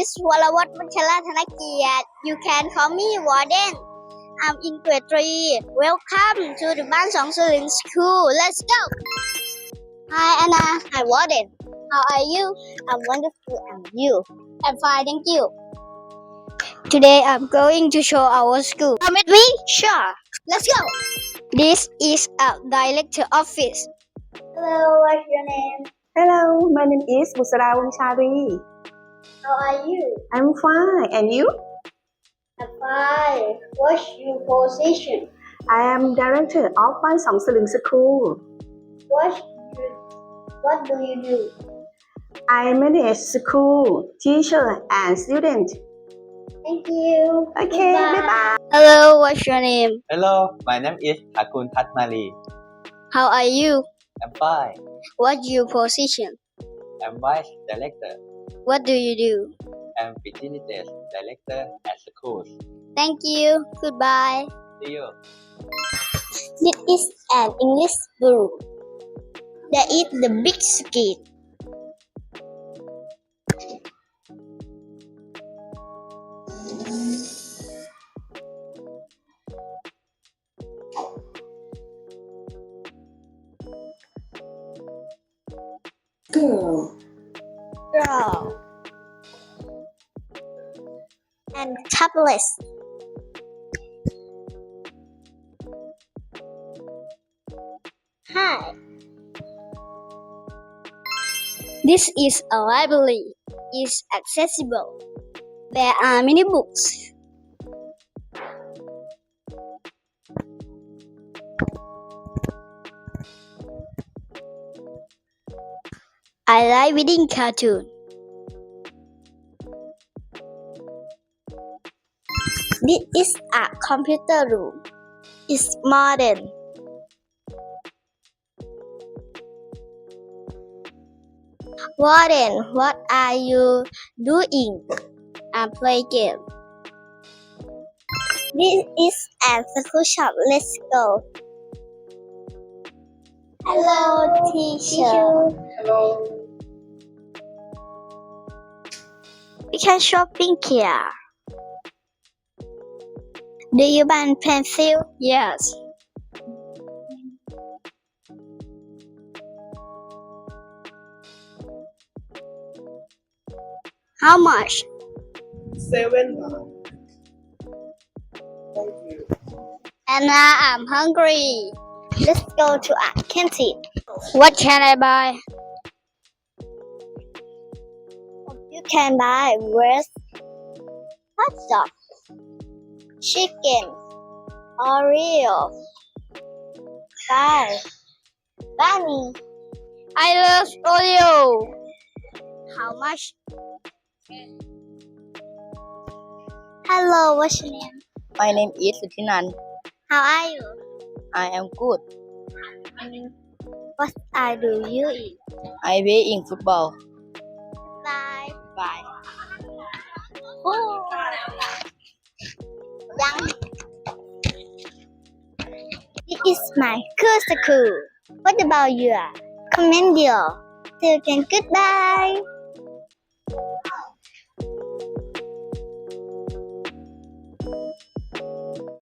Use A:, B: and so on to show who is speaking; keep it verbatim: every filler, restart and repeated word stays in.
A: is Walawat Manchala Thanakiat. You can call me Warden. I'm in grade three. Welcome to the Ban Song Suling School. Let's go. Hi Anna. Hi Warden. How are you? I'm wonderful. And you? I'm fine, thank you. Today I'm going to show our school. Come with me? Sure. Let's go. This is our director office. Hello, what's your name?
B: Hello, my name is Busara Wangchari.
A: How are you?
B: I'm fine, and you?
A: I'm fine. What's your position?
B: I am director of Ban Song Suling School.
A: What you, what do you do?
B: I manage school, teacher, and student.
A: Thank you.
B: Okay, bye bye.
A: Hello, what's your name?
C: Hello, my name is Thakun Thatmali.
A: How are you?
C: I'm fine.
A: What's your position?
C: I'm vice director.
A: What do you do?
C: I'm facilities director at schools.
A: Thank you. Goodbye.
C: See you.
A: This is an English book. That is the big skit.
B: Girl.
A: Girl. And tablet. Hi. This is a library. It's accessible. There are many books. I like reading cartoon. This is a computer room. It's modern. Warden, what are you doing? I play game. This is a school shop. Let's go. Hello, teacher.
B: Hello.
A: We can shopping here. Do you buy pencil? Yes. How much?
B: Seven. Thank you.
A: Anna, I'm hungry. Let's go to a canteen. What can I buy? You can buy bread, hot dog, chicken, Oreo, pie, bunny. I love Oreo. How much? Hello, what's your name?
B: My name is Sutinan.
A: How are you?
B: I am good.
A: What I do you eat?
B: I play in football.
A: Bye.
B: Bye.
A: Oh. Young. This is my good school. What about you? Comment below. Till then, goodbye.